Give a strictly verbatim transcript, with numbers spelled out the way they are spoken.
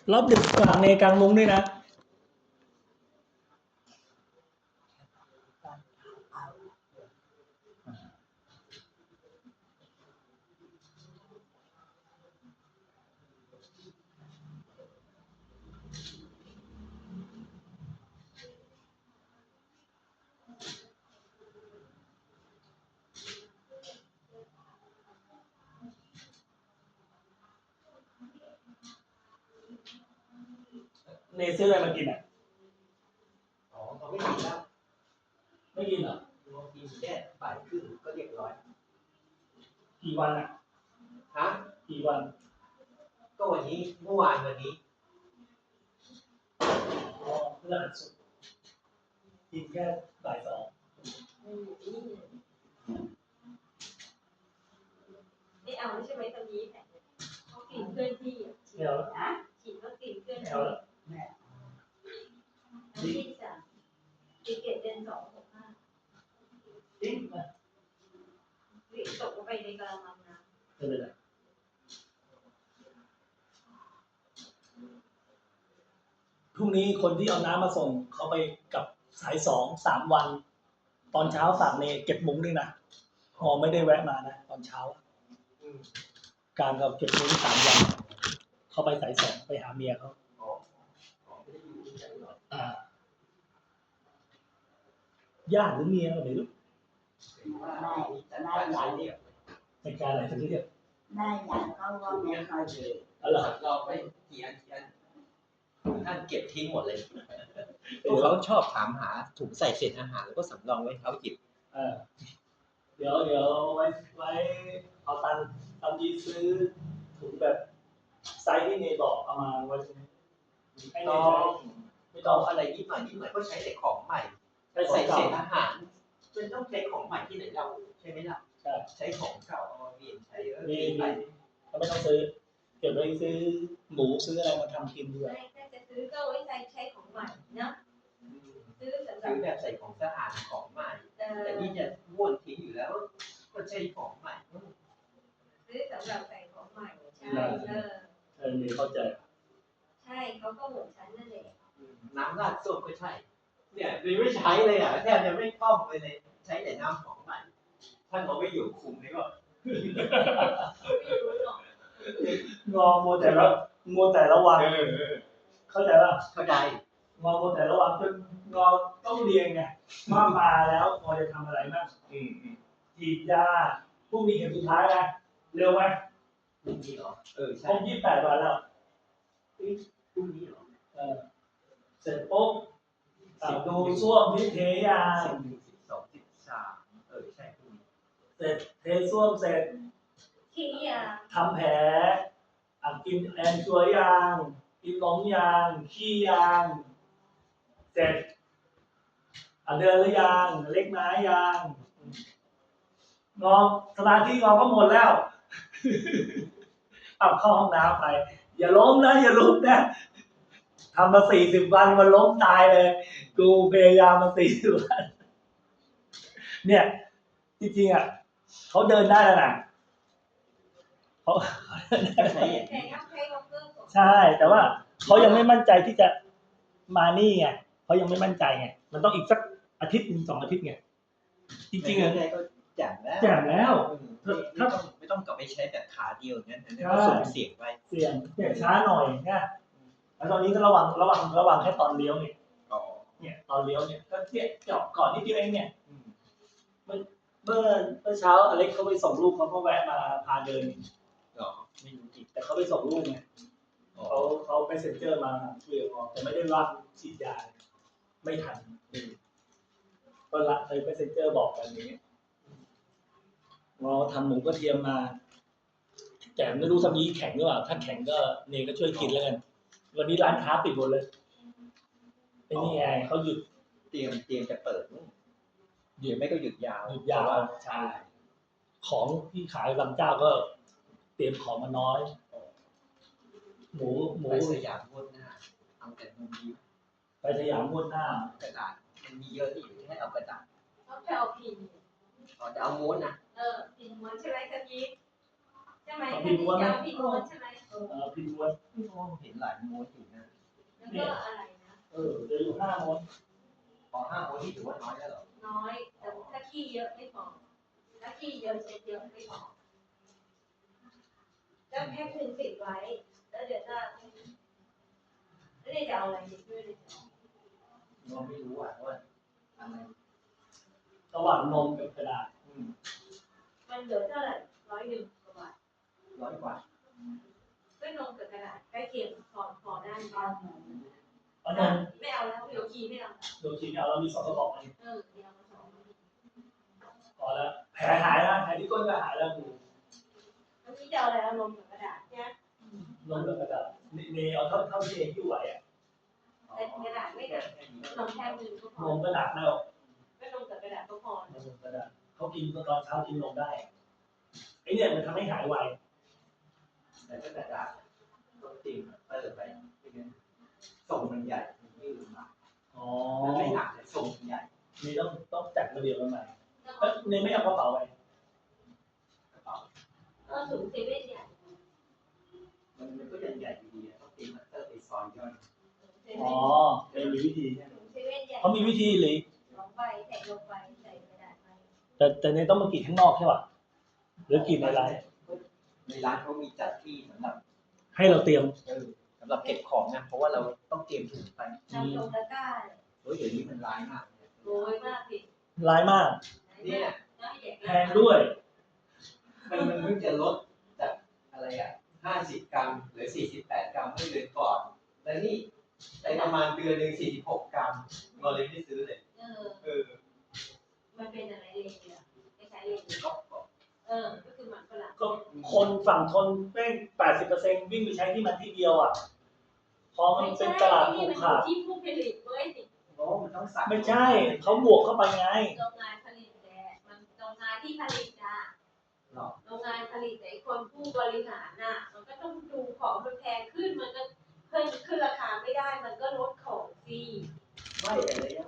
รอบดึกฝากเนกลางมุ้งด้วยนะเนซื้ออะไรมากินอ่ะอ๋อเขาไม่กินแล้วไม่กินเหรอกินแค่บ่ายครึ่งก็เรียบร้อยกี่วันอ่ะฮะกี่วันก็วันนี้เมื่อวานวันนี้อ๋อเพื่อสุดกินแค่บ่ายสองไม่เอาใช่ไหมตอนนี้เขากินเพื่อนที่ฉีดนะฉีดก็กินเพื่อนที่ที่สามติเกตเดือนสองหกห้าจริงป่ะวิตกลงไปในกระมังน้ำไม่เป็นไรพรุ่งนี้คนที่เอาน้ำมาส่งเขาไปกับสายสองสามวันตอนเช้าฝากเนเก็บมุ้งด้วยนะพอไม่ได้แวะมานะตอนเช้าการกับเก็บมุ้งสามวันเขาไปสายสองไปหาเมียเขาอ่าญาติหรือเมียไม่รู้ได้ได้อย่างเดียวในการอะไรทั้งเรียกได้อย่างเขาก็ไม่ค่อยเลยอะไรเราไปเขียนเขียนท่านเก็บทิ้งหมดเลยพวกเขาชอบถามหาถุงใส่เศษอาหารแล้วก็สำรองไว้เขาหยิบเออเดี๋ยวเดี๋ยวไว้ไว้เอาตังค์ตอนนี้ซื้อถุงแบบไซส์ที่เนบอกเอามาไว้ใช่ไหมไม่ต้องไม่ต้องอะไรนิดหน่อยนิดหน่อยก็ใช้แต่ของใหม่ใส่เศษอาหารมันต้องใช้ของใหม่ที่ไหนเราใช่ไหมล่ะใช้ของเก่าเอามาเปลี่ยนใช้เออมีมีเราไม่ต้องซื้อเก็บไว้ซื้อหมูซื้ออะไรมาทำกินดีกว่าถ้าจะซื้อก็ไว้ใช้ใช้ของใหม่เนาะซื้อสำหรับซื้อแบบใส่ของสะอาดของใหม่แต่นี่จะม้วนทิ้งอยู่แล้วก็ใช้ของใหม่ซื้อสำหรับใส่ของใหม่ใช่เออเออมีเข้าใจใช่เขาก็เหมือนฉันนั่นแหละน้ำราดส้มก็ใช่เนี่ยไม่ใช้เลยอ่ะแทบจะไม่คล่องเลยเลยใช้แต่น้ำของใหม่ท่านเอาไม่อยู่คุมนี่ก็ไม่รู้หรอกงอโมแต่ละโมแต่ละวันเข้าใจป่ะเข้าใจงอโมแต่ละวันจนงอต้องเรียนไงมามาแล้วงอจะทำอะไรบ้างฉีดยาพรุ่งนี้เข็มสุดท้ายนะเร็วไหมพรุ่งนี้เหรอเออใช่ครบยี่สิบแปดวันแล้วพรุ่งนี้เหรอเออเสร็จปุ๊บดูส้วมที่เทยาสิบสิบสองสิบสามเออใช่พรุ่งนี้เสร็จเทส้วมเสร็จขี้ยาทำแผลอ่ะกินแอนชัวยางกินนมยางขี้ยางเสร็จอ่ะเดินหรือยังเล็กน้อยยางงอสมาธิงอก็หมดแล้วเอาเข้าห้องน้ำไปอย่าล้มนะอย่าล้มนะทำมาสี่สิบวันมันล้มตายเลยกูพยายามมาสี่สิบวันเนี่ยจริงๆอ่ะเขาเดินได้แล้วนะเขาใช่ใช่แต่ว่าเขายังไม่มั่นใจที่จะมานี่ไงเขายังไม่มั่นใจไงมันต้องอีกสักอาทิตย์นึงสองอาทิตย์ไงจริงๆอ่ะก็แจ่มแล้วแจ่มแล้วถ้าไม่ต้องกลับไปใช้แบบขาเดียวงั้นก็ส่งเสียงไปเสียงเสียงช้าหน่อยนะแล้วตอนนี้ก็ระวังระวังระวังแค่ตอนเลี้ยวเนี่ยเนี่ยตอนเลี้ยวเนี่ยก็เนี่ยเจาะก่อนนิดเดียวเองเนี่ยเมื่อเมื่อเช้าอเล็กเขาไปส่งลูกเขาก็แวะมาพาเดินอ๋อไม่รู้จิตแต่เขาไปส่งลูกไงเขาเขาไปเซ็นเจอร์มาเรียกออกแต่ไม่ได้รับฉีดยาไม่ทันก็ละเคยไปเซ็นเจอร์บอกกันนี้เราทำหมูกระเทียมมาแต่ไม่รู้ทำนี้แข็งหรือเปล่าถ้าแข็งก็เนยก็ช่วยกินแล้วกันวันนี้ร้านค้าปิดหมดเลยไอ้นี่ไงเขาหยุดเตรียมเตรียมจะเปิดหยุดไม่ก็หยุดยาวหยุดยาวใช่ของที่ขายบางเจ้าก็เตรียมของมาน้อยหมูหมูสยามม้วนหน้าเอาแต่มุมนี้ไปสยามม้วนหน้ากระดาษมันมีเยอะที่อยู่ที่ให้เอากระดาษเขาจะเอาพิมพ์อ๋อจะเอาม้วนนะเออพิมพ์ม้วนใช่ไหมคะพี่ใช่ไหมพิมพ์ม้วนใช่ไหมเเออพิมพ์ม้วนพี่มองเห็นหลายม้วนอยู่นะแล้วก็อะไรนะเออเดี๋ยวอยู่ห้าม้วนพอห้าม้วนที่ถือว่าน้อยแล้วเหรอน้อยแต่ถ้าขี้เยอะไม่พอถ้าขี้เยอะเช็ดเยอะไม่พอแล้วแพ็คหนึ่งติดไว้แล้วเดี๋ยวจะแล้วเดี๋ยวจะเอาอะไรติดด้วยเลยเราไม่รู้อ่ะว่าอะไรระหว่างนมกับกระดาษอืมมันเหลือเท่าไหร่ร้อยหนึ่งกว่าบาทร้อยกว่าก็นมกับกระดาษใกล้เคียงพอพอได้เอาหนูเอานมไม่เอาแล้วเดี๋ยวขี้ไม่เอาโดนทีเอาเรามีสองกระบอกเองเออเดี๋ยวเอามาสองพอแล้วแผลหายแล้วแผลที่ก้นก็หายแล้วกูแล้วนี่จะเอาอะไรเอานมกับกระดาษเนี่ยนมกับกระดาษนี่นี่เอาเท่าเท่าที่เองที่ไหวอ่ะแต่กระดาษไม่หนักนมแค่มือก็พนอมก็หนักแล้วก็นมกับกระดาษก็พอนมกับกระดาษเขากินตอนเช้ากินนมได้ไอเนี่ยมันทำให้หายไวแต่ถ้ากระดาษต้องตีมเตอร์ไปไม่งั้นทรงมันใหญ่มันยืดมาอ๋อมันไม่หนักแต่ทรงมันใหญ่นี่ต้องต้องจัดระเบียบกันใหม่แล้วเอ้ยนี่ไม่เอากระเป๋าไปกระเป๋าก็ถุงเซเว่นใหญ่มันมันก็ยังใหญ่อยู่ดีอะต้องตีมเตอร์ไปซอยย่อยเซอ๋เว่อน มีวิธีใช่ไหมถุงเซเว่นใหญ่เขามีวิธีเลยลงไปใส่ลงไปใส่กระดาษไปแต่แต่ในต้องมากรีดข้างนอกใช่ป่ะหรือกรีดในร้านในร้านเขามีจัดที่สำหรับให้เราเตรียมเออสำหรับเก็บของนะเพราะว่าเราต้องเตรียมถุงไปนำลงตะกร้าเฮ้ยเดี๋ยวนี้มันร้ายมากเลยโรยมากสิร้ายมากเนี่ยแพงด้วยมันมันเพิ่งจะลดจากอะไรอ่ะห้าสิบกรัมเหลือสี่สิบแปดกรัมเมื่อเดือนก่อน แล้วนี่ในประมาณเดือนหนึ่งสี่สิบหกกรัมเราเลยไม่ซื้อเลยเออเออมันเป็นอะไรเลนเนี่ยไม่ใช้เลนก็ก็เออก็คือหมันฝรั่งก็คนฝั่งทนแม่งแปดสิบเปอร์เซ็นต์วิ่งไปใช้ที่มันที่เดียวอ่ะพอมันเป็นตลาดผูกขาดที่ผู้ผลิตเว้ยเพราะว่ามันต้องสั่งไม่ใช่เขาบวกเข้าไปไงโรงงานผลิตแหละมันโรงงานที่ผลิตอ่ะหรอกโรงงานผลิตแต่คนผู้บริหารน่ะ มันก็ต้องดูของมันแพงขึ้นมันก็เพิ่มขึ้นราคาไม่ได้มันก็ลดของฟรีไม่แต่ระยะ